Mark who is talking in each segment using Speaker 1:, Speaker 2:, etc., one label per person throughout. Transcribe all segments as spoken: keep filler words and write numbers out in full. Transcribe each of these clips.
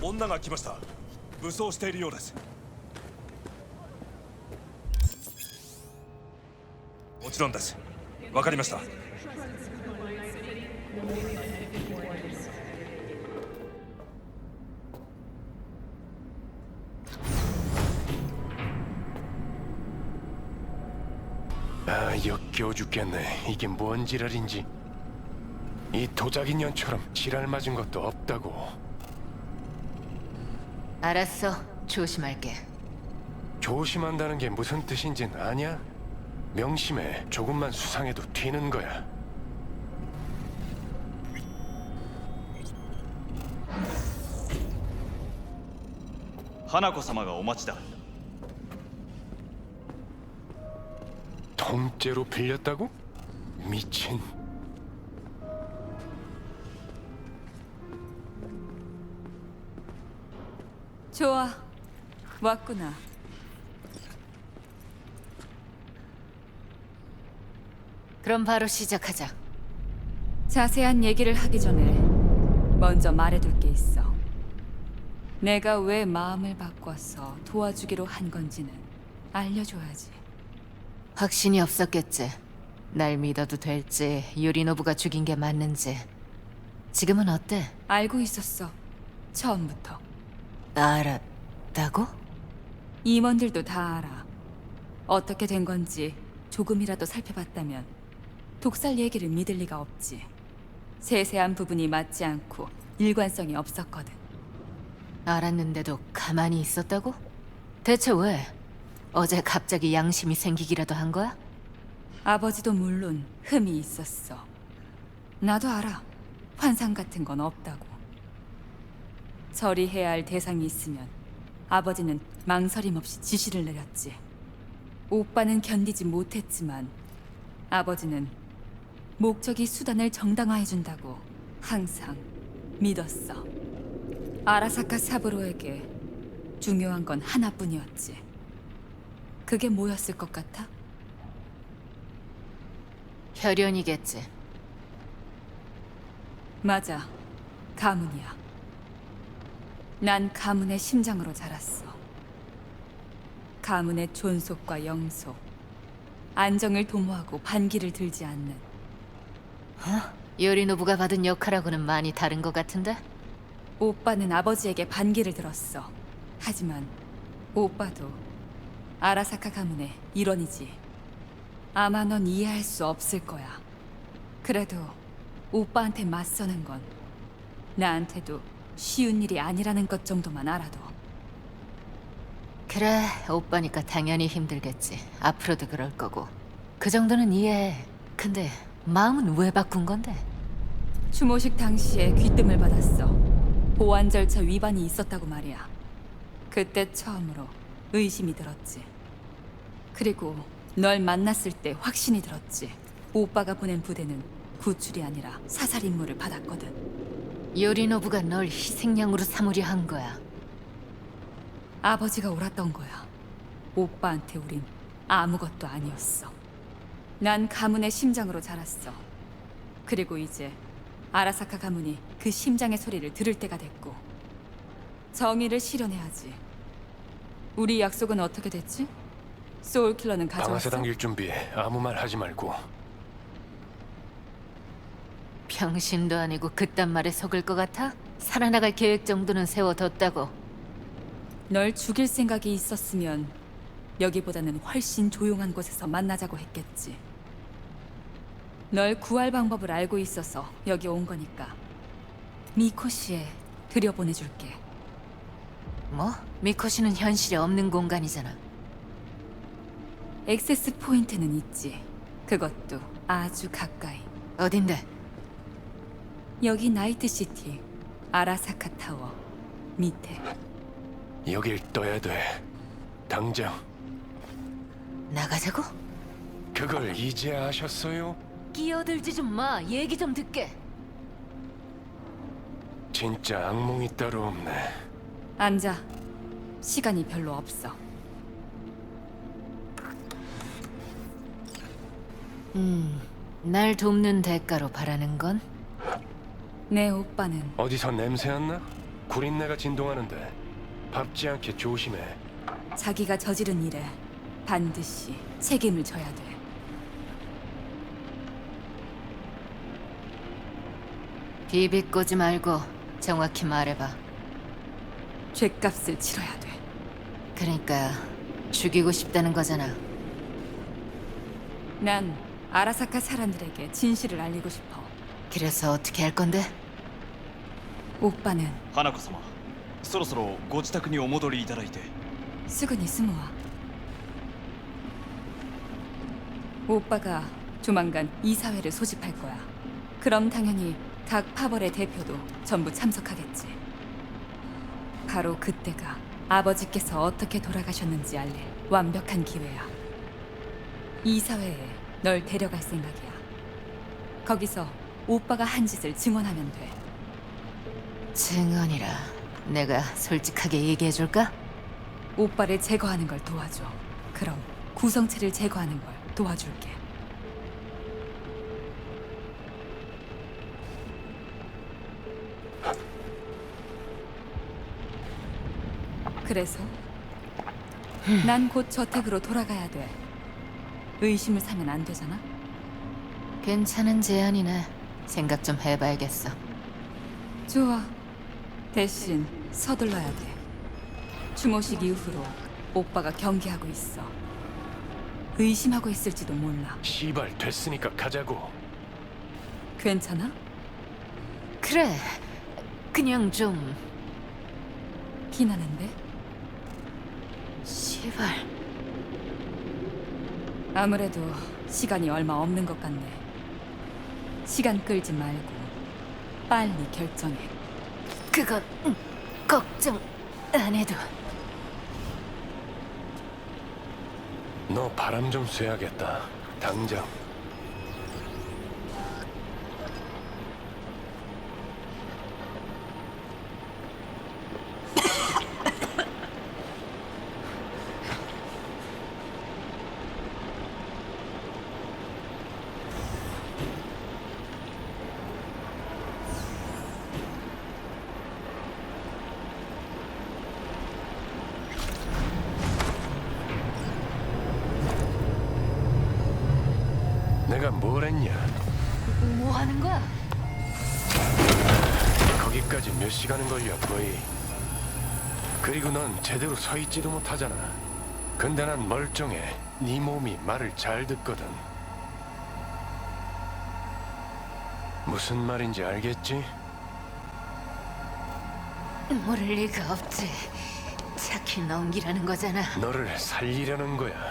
Speaker 1: 女が来ました。武装しているようです。もちろんです。わかりました。
Speaker 2: 아, 역겨워 죽겠네. 이게 뭔 지랄인지. 이 도자기년처럼 지랄 맞은 것도 없다고.
Speaker 3: 알았어. 조심할게.
Speaker 2: 조심한다는 게 무슨 뜻인진 아냐? 명심해. 조금만 수상해도 튀는 거야.
Speaker 4: 하나코様がお待ちだ。
Speaker 2: 통째로 빌렸다고? 미친.
Speaker 5: 좋아, 왔구나.
Speaker 3: 그럼 바로 시작하자.
Speaker 5: 자세한 얘기를 하기 전에 먼저 말해둘 게 있어. 내가 왜 마음을 바꿔서 도와주기로 한 건지는 알려줘야지.
Speaker 3: 확신이 없었겠지. 날 믿어도 될지, 유리노부가 죽인 게 맞는지. 지금은 어때?
Speaker 5: 알고 있었어, 처음부터.
Speaker 3: 알았다고?
Speaker 5: 임원들도 다 알아. 어떻게 된 건지 조금이라도 살펴봤다면 독살 얘기를 믿을 리가 없지. 세세한 부분이 맞지 않고 일관성이 없었거든.
Speaker 3: 알았는데도 가만히 있었다고? 대체 왜? 어제 갑자기 양심이 생기기라도 한 거야?
Speaker 5: 아버지도 물론 흠이 있었어. 나도 알아. 환상 같은 건 없다고. 처리해야 할 대상이 있으면 아버지는 망설임 없이 지시를 내렸지. 오빠는 견디지 못했지만 아버지는 목적이 수단을 정당화해준다고 항상 믿었어. 아라사카 사부로에게 중요한 건 하나뿐이었지. 그게 뭐였을 것 같아?
Speaker 3: 혈연이겠지.
Speaker 5: 맞아. 가문이야. 난 가문의 심장으로 자랐어. 가문의 존속과 영속, 안정을 도모하고 반기를 들지 않는.
Speaker 3: 유리노부가 받은 역할하고는 많이 다른 것 같은데?
Speaker 5: 오빠는 아버지에게 반기를 들었어. 하지만 오빠도 아라사카 가문의 일원이지. 아마 넌 이해할 수 없을 거야. 그래도 오빠한테 맞서는 건 나한테도 쉬운 일이 아니라는 것 정도만 알아도.
Speaker 3: 그래, 오빠니까 당연히 힘들겠지. 앞으로도 그럴 거고. 그 정도는 이해해. 근데 마음은 왜 바꾼 건데?
Speaker 5: 추모식 당시에 귀뜸을 받았어. 보안 절차 위반이 있었다고 말이야. 그때 처음으로 의심이 들었지. 그리고 널 만났을 때 확신이 들었지. 오빠가 보낸 부대는 구출이 아니라 사살 임무를 받았거든.
Speaker 3: 유리노부가 널 희생양으로 삼으려 한 거야.
Speaker 5: 아버지가 옳았던 거야. 오빠한테 우린 아무것도 아니었어. 난 가문의 심장으로 자랐어. 그리고 이제 아라사카 가문이 그 심장의 소리를 들을 때가 됐고 정의를 실현해야지. 우리 약속은 어떻게 됐지? 소울킬러는
Speaker 2: 방아쇠
Speaker 5: 가져왔어?
Speaker 2: 당길 준비해. 아무 말 하지 말고.
Speaker 3: 병신도 아니고 그딴 말에 속을 것 같아? 살아나갈 계획 정도는 세워뒀다고.
Speaker 5: 널 죽일 생각이 있었으면 여기보다는 훨씬 조용한 곳에서 만나자고 했겠지. 널 구할 방법을 알고 있어서 여기 온 거니까 미코시에 들여보내줄게.
Speaker 3: 뭐? 미코시는 현실에 없는 공간이잖아.
Speaker 5: 액세스 포인트는 있지. 그것도 아주 가까이.
Speaker 3: 어딘데?
Speaker 5: 여기 나이트시티 아라사카 타워 밑에.
Speaker 2: 여길 떠야 돼. 당장.
Speaker 3: 나가자고?
Speaker 2: 그걸 이제 아셨어요?
Speaker 3: 끼어들지 좀 마. 얘기 좀 듣게.
Speaker 2: 진짜 악몽이 따로 없네.
Speaker 5: 앉아. 시간이 별로 없어.
Speaker 3: 음, 날 돕는 대가로 바라는 건?
Speaker 5: 내 오빠는
Speaker 2: 어디서 냄새 안 나? 구린내가 진동하는데 밟지 않게 조심해.
Speaker 5: 자기가 저지른 일에 반드시 책임을 져야 돼.
Speaker 3: 비비꼬지 말고 정확히 말해봐.
Speaker 5: 죗값을 치러야 돼.
Speaker 3: 그러니까 죽이고 싶다는 거잖아.
Speaker 5: 난 아라사카 사람들에게 진실을 알리고 싶어.
Speaker 3: 그래서 어떻게 할 건데?
Speaker 5: 오빠는
Speaker 4: 花子様そろそろご自宅にお戻りいただいて
Speaker 5: 수근이 스모아. 오빠가 조만간 이사회를 소집할 거야. 그럼 당연히 각 파벌의 대표도 전부 참석하겠지. 바로 그때가 아버지께서 어떻게 돌아가셨는지 알릴 완벽한 기회야. 이사회에 널 데려갈 생각이야. 거기서 오빠가 한 짓을 증언하면 돼.
Speaker 3: 증언이라 내가 솔직하게 얘기해줄까?
Speaker 5: 오빠를 제거하는 걸 도와줘. 그럼 구성체를 제거하는 걸 도와줄게. 그래서 난 곧 저택으로 돌아가야 돼. 의심을 사면 안 되잖아.
Speaker 3: 괜찮은 제안이네. 생각 좀 해봐야겠어.
Speaker 5: 좋아. 대신 서둘러야 돼. 추모식 이후로 오빠가 경계하고 있어. 의심하고 있을지도 몰라.
Speaker 2: 시발 됐으니까 가자고.
Speaker 5: 괜찮아?
Speaker 3: 그래. 그냥 좀
Speaker 5: 피나는데?
Speaker 3: 시발.
Speaker 5: 아무래도 시간이 얼마 없는 것 같네. 시간 끌지 말고 빨리 결정해.
Speaker 3: 그건 음, 걱정 안 해도.
Speaker 2: 너 바람 좀 쐬야겠다. 당장. 내가 뭘 했냐?
Speaker 3: 뭐 하는 거야?
Speaker 2: 거기까지 몇 시간은 걸려 거의. 그리고 넌 제대로 서 있지도 못하잖아. 근데 난 멀쩡해. 네 몸이 말을 잘 듣거든. 무슨 말인지 알겠지?
Speaker 3: 모를 리가 없지. 차키 넘기라는 거잖아.
Speaker 2: 너를 살리려는 거야.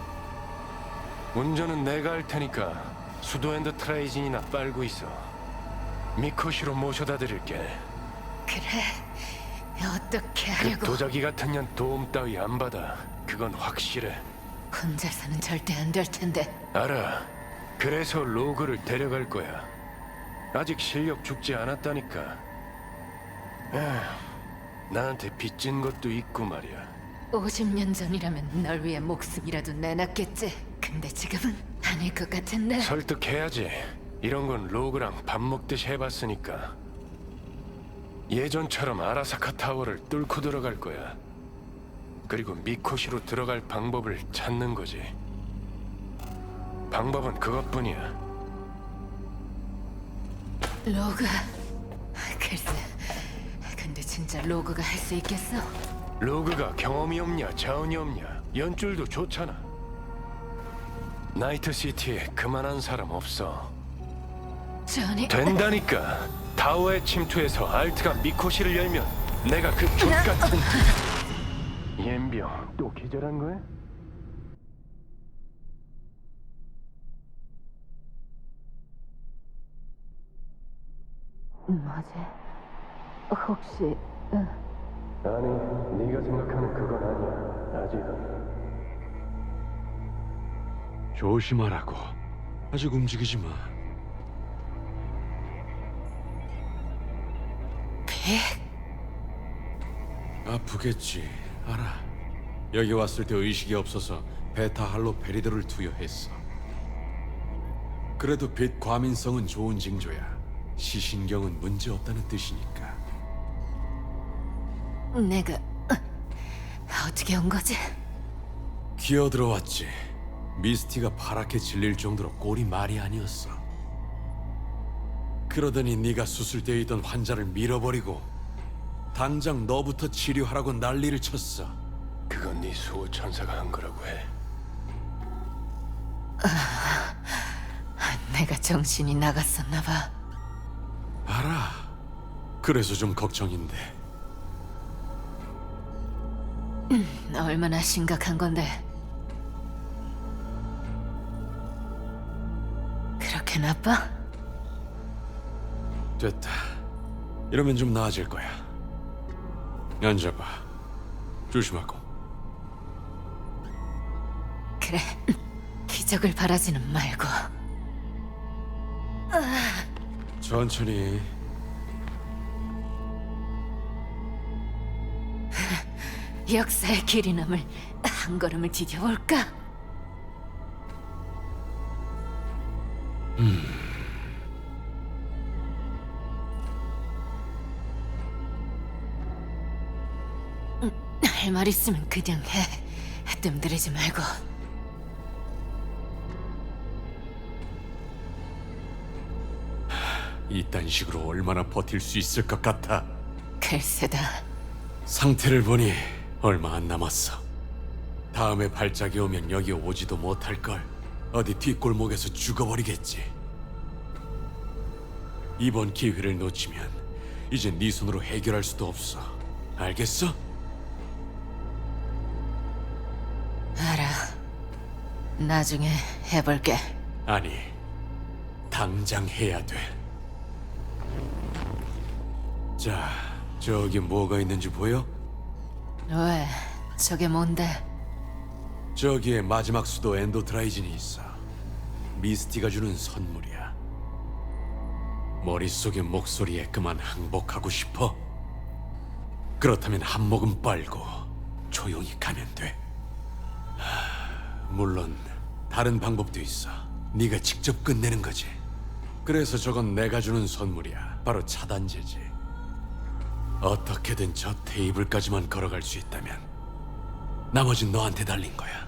Speaker 2: 운전은 내가 할 테니까 수도엔드 트라이진이나 빨고 있어. 미코시로 모셔다 드릴게.
Speaker 3: 그래. 어떻게
Speaker 2: 그
Speaker 3: 하려고?
Speaker 2: 도자기 같은 년 도움 따위 안 받아. 그건 확실해.
Speaker 3: 혼자서는 절대 안 될 텐데.
Speaker 2: 알아. 그래서 로그를 데려갈 거야. 아직 실력 죽지 않았다니까. 에휴, 나한테 빚진 것도 있고 말이야.
Speaker 3: 오십 년 전이라면 널 위해 목숨이라도 내놨겠지. 근데 지금은 아닐 것 같은데.
Speaker 2: 설득해야지. 이런 건 로그랑 밥 먹듯이 해봤으니까. 예전처럼 아라사카 타워를 뚫고 들어갈 거야. 그리고 미코시로 들어갈 방법을 찾는 거지. 방법은 그것뿐이야.
Speaker 3: 로그. 글쎄. 근데 진짜 로그가 할 수 있겠어?
Speaker 2: 로그가 경험이 없냐 자원이 없냐 연줄도 좋잖아. 나이트시티에 그만한 사람 없어.
Speaker 3: 전이.
Speaker 2: 된다니까. 타워에 침투해서 알트가 미코시를 열면 내가 그 족같은 옌병 또 기절한 거야?
Speaker 3: 뭐지? 혹시 응.
Speaker 2: 아니, 네가 생각하는 그건 아니야. 아직은.
Speaker 6: 조심하라고. 아직 움직이지 마.
Speaker 3: 백?
Speaker 6: 아프겠지. 알아. 여기 왔을 때 의식이 없어서 베타 할로 페리드를 투여했어. 그래도 빛 과민성은 좋은 징조야. 시신경은 문제 없다는 뜻이니까.
Speaker 3: 내가 어, 어떻게 온 거지?
Speaker 6: 기어 들어왔지. 미스티가 파랗게 질릴 정도로 꼴이 말이 아니었어. 그러더니 네가 수술대에 있던 환자를 밀어버리고 당장 너부터 치료하라고 난리를 쳤어.
Speaker 2: 그건 네 수호 천사가 한 거라고 해.
Speaker 3: 내가 정신이 나갔었나 봐.
Speaker 6: 알아. 그래서 좀 걱정인데.
Speaker 3: 얼마나 심각한 건데? 그렇게 나빠?
Speaker 6: 됐다. 이러면 좀 나아질 거야. 앉아봐. 조심하고.
Speaker 3: 그래. 기적을 바라지는 말고.
Speaker 6: 천천히.
Speaker 3: 역사의 길이 남을 한 걸음을 디뎌볼까? 음. 할 말 있으면 그냥 해. 뜸들이지 말고.
Speaker 6: 이딴 식으로 얼마나 버틸 수 있을 것 같아.
Speaker 3: 글쎄다.
Speaker 6: 상태를 보니 얼마 안 남았어. 다음에 발작이 오면 여기 오지도 못할걸. 어디 뒷골목에서 죽어버리겠지. 이번 기회를 놓치면 이제 네 손으로 해결할 수도 없어. 알겠어?
Speaker 3: 알아. 나중에 해볼게.
Speaker 6: 아니, 당장 해야 돼. 자, 저기 뭐가 있는지 보여?
Speaker 3: 왜? 저게 뭔데?
Speaker 6: 저기에 마지막 수도 엔도트라이진이 있어. 미스티가 주는 선물이야. 머릿속의 목소리에 그만 항복하고 싶어? 그렇다면 한 모금 빨고 조용히 가면 돼. 하, 물론 다른 방법도 있어. 네가 직접 끝내는 거지. 그래서 저건 내가 주는 선물이야. 바로 차단제지. 어떻게든 저 테이블까지만 걸어갈 수 있다면 나머진 너한테 달린 거야.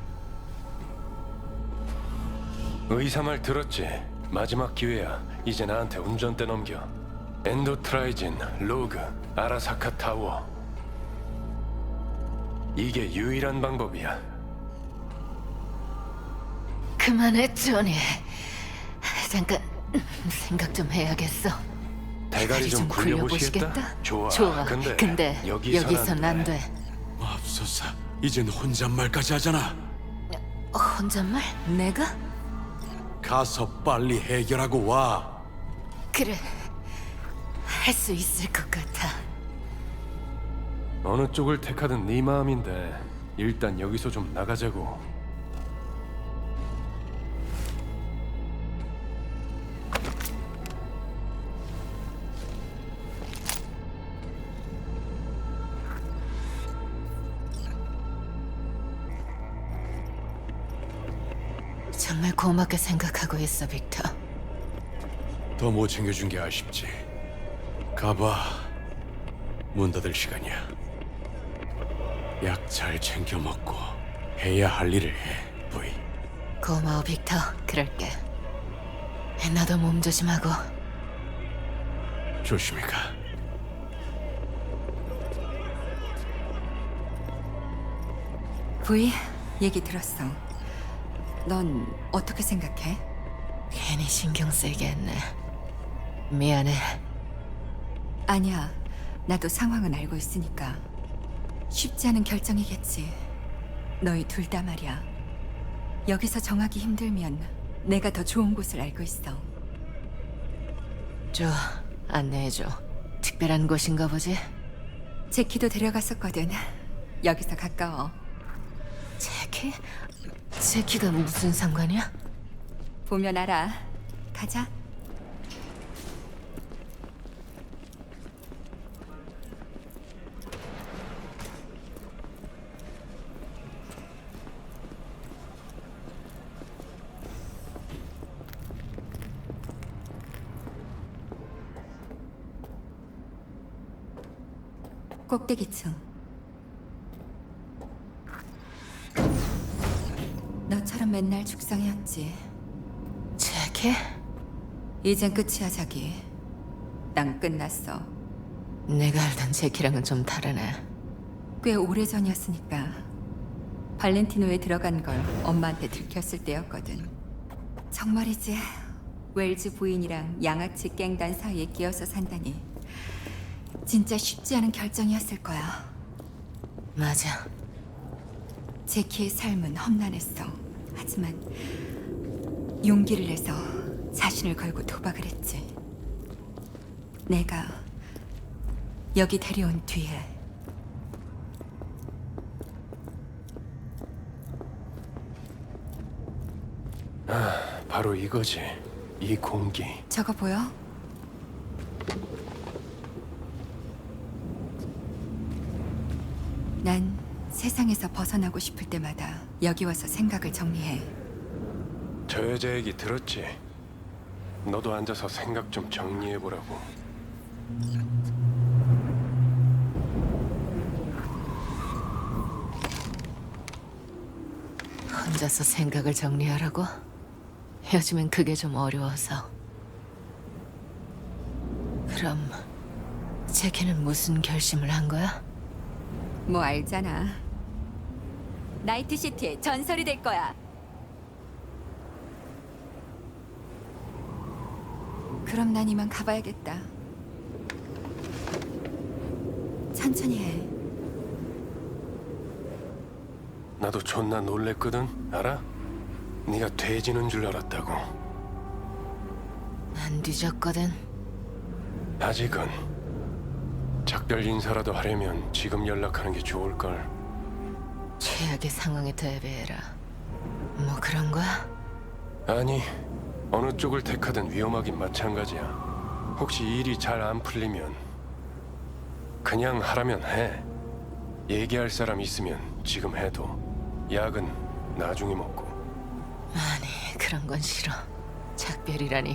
Speaker 2: 의사 말 들었지? 마지막 기회야. 이제 나한테 운전대 넘겨. 엔도트라이진, 로그, 아라사카 타워. 이게 유일한 방법이야.
Speaker 3: 그만해, 조니. 잠깐 생각 좀 해야겠어.
Speaker 2: 대가리 좀 굴려보시겠다?
Speaker 3: 굴려보시겠다?
Speaker 2: 좋아.
Speaker 3: 좋아.
Speaker 2: 근데,
Speaker 3: 근데
Speaker 2: 여기선,
Speaker 3: 여기선 안 돼.
Speaker 6: 맙소사, 이젠 혼잣말까지 하잖아.
Speaker 3: 혼잣말? 내가?
Speaker 6: 가서 빨리 해결하고 와.
Speaker 3: 그래. 할 수 있을 것 같아.
Speaker 2: 어느 쪽을 택하든 네 마음인데 일단 여기서 좀 나가자고.
Speaker 3: 정말 고맙게 생각하고 있어, 빅터.
Speaker 6: 더 못 챙겨준 게 아쉽지. 가봐. 문 닫을 시간이야. 약 잘 챙겨 먹고 해야 할 일을 해, 부이.
Speaker 3: 고마워, 빅터. 그럴게. 나도 몸 조심하고.
Speaker 6: 조심히 가.
Speaker 5: 부이, 얘기 들었어. 넌 어떻게 생각해?
Speaker 3: 괜히 신경 쓰이게 했네. 미안해.
Speaker 5: 아니야. 나도 상황은 알고 있으니까. 쉽지 않은 결정이겠지. 너희 둘 다 말이야. 여기서 정하기 힘들면 내가 더 좋은 곳을 알고 있어.
Speaker 3: 줘, 안내해줘. 특별한 곳인가 보지?
Speaker 5: 제키도 데려갔었거든. 여기서 가까워.
Speaker 3: 제키? 제키가 무슨 상관이야?
Speaker 5: 보면 알아. 가자. 꼭대기층. 너처럼 맨날 죽상이었지.
Speaker 3: 제키?
Speaker 5: 이젠 끝이야, 자기. 난 끝났어.
Speaker 3: 내가 알던 제키랑은 좀 다르네.
Speaker 5: 꽤 오래전이었으니까. 발렌티노에 들어간 걸 엄마한테 들켰을 때였거든. 정말이지. 웰즈 부인이랑 양아치 깽단 사이에 끼어서 산다니. 진짜 쉽지 않은 결정이었을 거야.
Speaker 3: 맞아.
Speaker 5: 제키의 삶은 험난했어. 하지만 용기를 내서 자신을 걸고 도박을 했지. 내가 여기 데려온 뒤에
Speaker 2: 바로 이거지. 이 공기.
Speaker 5: 저거 보여? 난 세상에서 벗어나고 싶을 때마다 여기 와서 생각을 정리해.
Speaker 2: 저 여자 얘기 들었지? 너도 앉아서 생각 좀 정리해보라고.
Speaker 3: 혼자서 생각을 정리하라고? 요즘엔 그게 좀 어려워서. 그럼 제키는 무슨 결심을 한 거야?
Speaker 5: 뭐 알잖아. 나이트시티의 전설이 될 거야. 그럼 난 이만 가봐야겠다. 천천히 해.
Speaker 2: 나도 존나 놀랬거든, 알아? 네가 돼지는 줄 알았다고.
Speaker 3: 안 뒤졌거든.
Speaker 2: 아직은. 작별 인사라도 하려면 지금 연락하는 게 좋을걸.
Speaker 3: 최악의 상황에 대비해라. 뭐 그런 거야?
Speaker 2: 아니, 어느 쪽을 택하든 위험하긴 마찬가지야. 혹시 일이 잘 안 풀리면 그냥 하라면 해. 얘기할 사람 있으면 지금 해도. 약은 나중에 먹고.
Speaker 3: 아니, 그런 건 싫어. 작별이라니.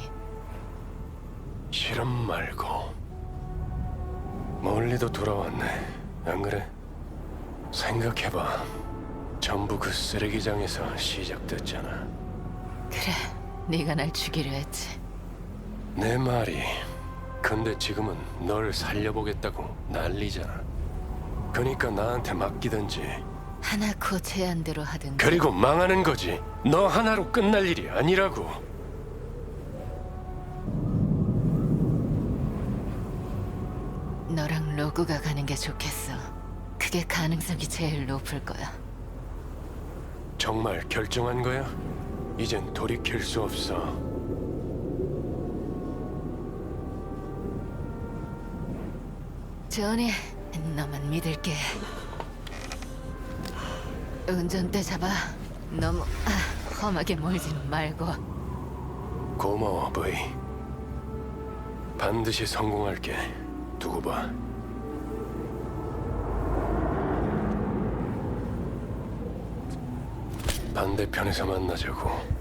Speaker 2: 실험 말고. 멀리도 돌아왔네. 안 그래? 생각해봐. 전부 그 쓰레기장에서 시작됐잖아.
Speaker 3: 그래, 네가 날 죽이려 했지.
Speaker 2: 내 말이. 근데 지금은 널 살려보겠다고 난리잖아. 그러니까 나한테 맡기든지.
Speaker 3: 하나코 제안대로 하든.
Speaker 2: 그리고 망하는 거지. 너 하나로 끝날 일이 아니라고.
Speaker 3: 너랑 로그가 가는 게 좋겠어. 그게 가능성이 제일 높을 거야.
Speaker 2: 정말 결정한 거야? 이젠 돌이킬 수 없어.
Speaker 3: 조니, 너만 믿을게. 운전대 잡아. 너무 아, 험하게 몰지는 말고.
Speaker 2: 고마워, 브이. 반드시 성공할게. 두고 봐. 반대편에서 만나자고.